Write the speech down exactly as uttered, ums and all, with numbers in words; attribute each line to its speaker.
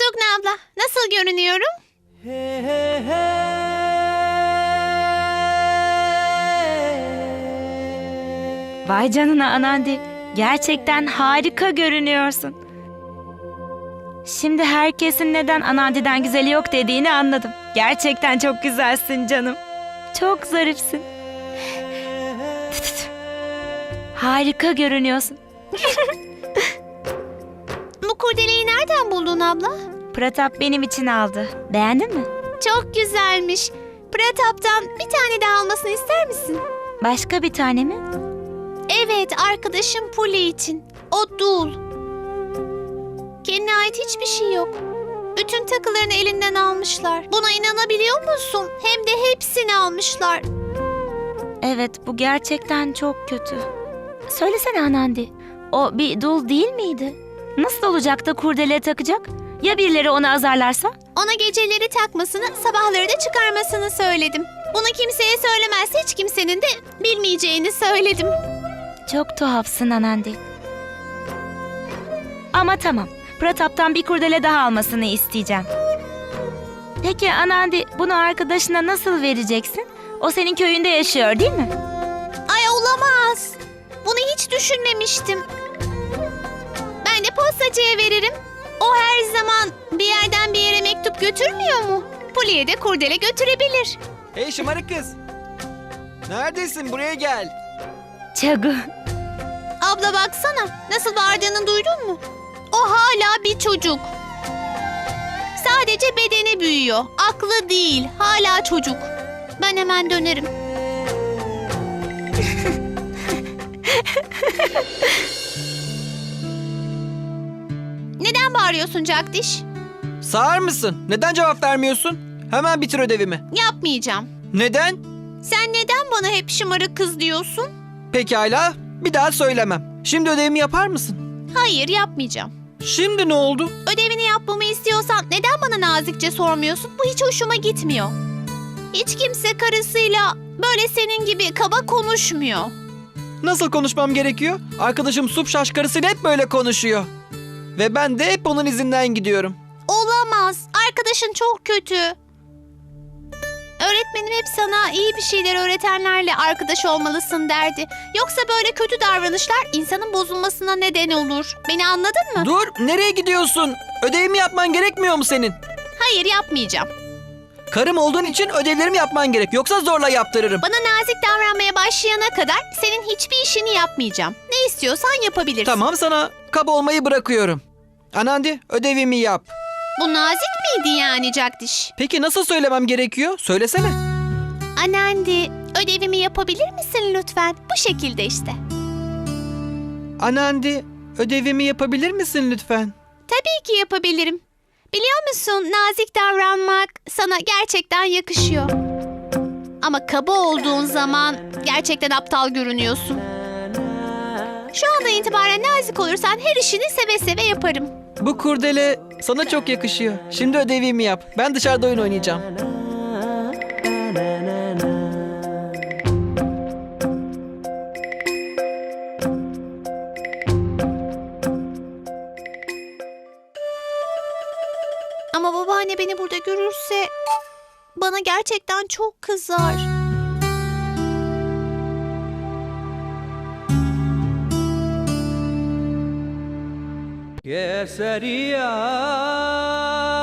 Speaker 1: Sugna abla, nasıl görünüyorum?
Speaker 2: Vay canına Anandi. Gerçekten harika görünüyorsun. Şimdi herkesin neden Anandi'den güzeli yok dediğini anladım. Gerçekten çok güzelsin canım. Çok zarifsin. Harika görünüyorsun.
Speaker 1: Bu kurdeleyi nereden buldun abla?
Speaker 2: Pratap benim için aldı. Beğendin mi?
Speaker 1: Çok güzelmiş. Pratap'tan bir tane daha almasını ister misin?
Speaker 2: Başka bir tane mi?
Speaker 1: Evet, arkadaşım Puli için. O dul. Kendine ait hiçbir şey yok. Bütün takılarını elinden almışlar. Buna inanabiliyor musun? Hem de hepsini almışlar.
Speaker 2: Evet, bu gerçekten çok kötü. Söylesene Anandi. O bir dul değil miydi? Nasıl olacak da kurdele takacak? Ya birileri onu azarlarsa?
Speaker 1: Ona geceleri takmasını, sabahları da çıkarmasını söyledim. Bunu kimseye söylemezse hiç kimsenin de bilmeyeceğini söyledim.
Speaker 2: Çok tuhafsın Anandi. Ama tamam. Pratap'tan bir kurdele daha almasını isteyeceğim. Peki Anandi, bunu arkadaşına nasıl vereceksin? O senin köyünde yaşıyor değil mi?
Speaker 1: Ay olamaz. Bunu hiç düşünmemiştim. Ben de postacıya veririm. O her zaman bir yerden bir yere mektup götürmüyor mu? Puli'ye de kurdele götürebilir.
Speaker 3: Hey şımarık kız. Neredesin? Buraya gel.
Speaker 2: Çagu.
Speaker 1: Abla baksana, nasıl bağırdığını duydun mu? O hala bir çocuk. Sadece bedeni büyüyor. Aklı değil, hala çocuk. Ben hemen dönerim. Neden bağırıyorsun Jagdish?
Speaker 3: Sağır mısın? Neden cevap vermiyorsun? Hemen bitir ödevimi.
Speaker 1: Yapmayacağım.
Speaker 3: Neden?
Speaker 1: Sen neden bana hep şımarık kız diyorsun?
Speaker 3: Pekala. Bir daha söylemem. Şimdi ödevimi yapar mısın?
Speaker 1: Hayır, yapmayacağım.
Speaker 3: Şimdi ne oldu?
Speaker 1: Ödevini yapmamı istiyorsan neden bana nazikçe sormuyorsun? Bu hiç hoşuma gitmiyor. Hiç kimse karısıyla böyle senin gibi kaba konuşmuyor.
Speaker 3: Nasıl konuşmam gerekiyor? Arkadaşım Supşaş karısıyla hep böyle konuşuyor. Ve ben de hep onun izinden gidiyorum.
Speaker 1: Olamaz. Arkadaşın çok kötü. Öğretmenim hep sana iyi bir şeyler öğretenlerle arkadaş olmalısın derdi. Yoksa böyle kötü davranışlar insanın bozulmasına neden olur. Beni anladın mı?
Speaker 3: Dur, nereye gidiyorsun? Ödevimi yapman gerekmiyor mu senin?
Speaker 1: Hayır, yapmayacağım.
Speaker 3: Karım olduğun için ödevlerimi yapman gerek. Yoksa zorla yaptırırım.
Speaker 1: Bana nazik davranmaya başlayana kadar senin hiçbir işini yapmayacağım. Ne istiyorsan yapabilirsin.
Speaker 3: Tamam, sana kaba olmayı bırakıyorum. Anandi, ödevimi yap.
Speaker 1: Bu nazik miydi yani Jagdish?
Speaker 3: Peki nasıl söylemem gerekiyor? Söylesene.
Speaker 1: Anandi, ödevimi yapabilir misin lütfen? Bu şekilde işte.
Speaker 3: Anandi, ödevimi yapabilir misin lütfen?
Speaker 1: Tabii ki yapabilirim. Biliyor musun, nazik davranmak sana gerçekten yakışıyor. Ama kaba olduğun zaman gerçekten aptal görünüyorsun. Şu andan itibaren nazik olursan her işini seve seve yaparım.
Speaker 3: Bu kurdele sana çok yakışıyor. Şimdi ödevimi yap. Ben dışarıda oyun oynayacağım.
Speaker 1: Ama babaanne beni burada görürse bana gerçekten çok kızar.
Speaker 4: Keseriya